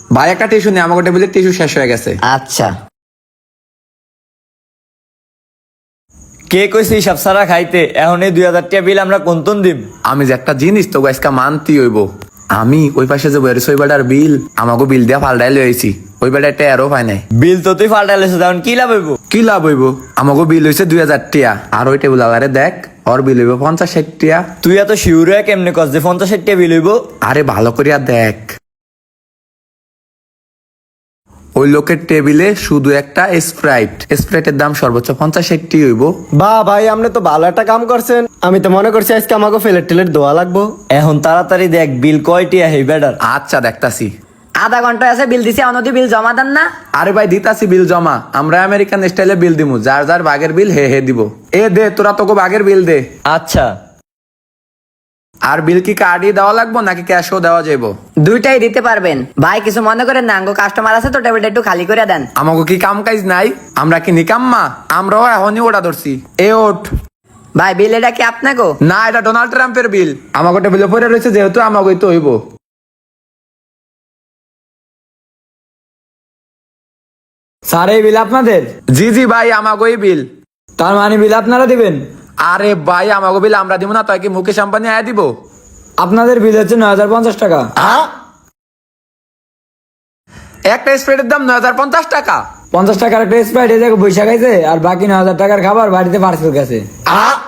ভাই একটা টিস্যু নেই, আমাকে টেবিলে টিস্যু শেষ হয়ে গেছে। আচ্ছা। কে কইছে হিসাব সারা খাইতে? এখন এই 2000 টাকা বিল আমরা কোনতন দিম? আমি যে একটা জিনিস তো আজকে মানতি হইব। আমি ওই পাশে যে বেরোছি ওই বেটার বিল আমাকে বিল দিয়া পাল্টাই লইছি, ওই বেটা একটা এরও পাই নাই। বিল তো তুই ফাল্টাইলেছিস, এখন কি লাভ হইব? কি লাভ হইব? আমাকে বিল হইছে 2000 টিয়া, আর ওই টেবিল আলারে দেখ ওর বিল হইব 50-60 টিয়া। তুই এত শিউর হয়ে কেমনে কস যে 50-60 টাকা বিল হইব? আরে ভালো করিয়া দেখ, ওই লোকের টেবিলে শুধু একটা স্প্রাইটের দাম সর্বোচ্চ 50-60 হইব। বা ভাই আপনি তো ভালো একটা কাম করছেন। আমি তো মনে করছি আজকে আমাকে ফেলের টেলের দোয়া লাগবো। এখন তাড়াতাড়ি দেখ বিল কয়টি আহে বেটার। আচ্ছা দেখতাছি। আধা ঘন্টা আছে বিল দিছি, অনদি বিল জমা দেন না? আরে ভাই দিতাছি বিল জমা, আমরা আমেরিকান স্টাইলে বিল দিমু, যার যার বাগের বিল হে হে দিব। এ দে তোরা তোকে বাগের বিল দে। আচ্ছা, আর বিল কি কার্ডই দেওয়া লাগবো নাকি ক্যাশও দেওয়া যাইবো? দুইটাই দিতে পারবেন ভাই, কিছু মনে করেন না, আঙ্গো কাস্টমার আছে তো, টেবিলটা একটু খালি করে দেন। আমাকে কি কাম কাজ নাই? আমরা কি নিকাম্মা? আমরাও এখনই ওটা ধরছি। এ ওঠ। ভাই বিল এটা কি আপনাকে? না, এটা ডোনাল্ড ট্রাম্পের বিল। আমাকে টেবিলে পড়ে রয়েছে যেহেতু আমাকে তো হইব। স্যার এই বিল আপনাদের? জি জি ভাই, আমাকেই বিল। তার মানে বিল আপনারা দিবেন? আরে ভাই আমাকে বিল আমরা দিব না, তাই কি মুকেশ আম্বানি আয়া দিব? আপনাদের বিল হচ্ছে 9050 টাকা। একটা স্প্রেডের দাম 9050 টাকা? 50 টাকার একটা স্প্রাইট এই জায়গায় বৈশাখ আছে, আর বাকি 9000 টাকার খাবার বাড়িতে পার্সেল গেছে।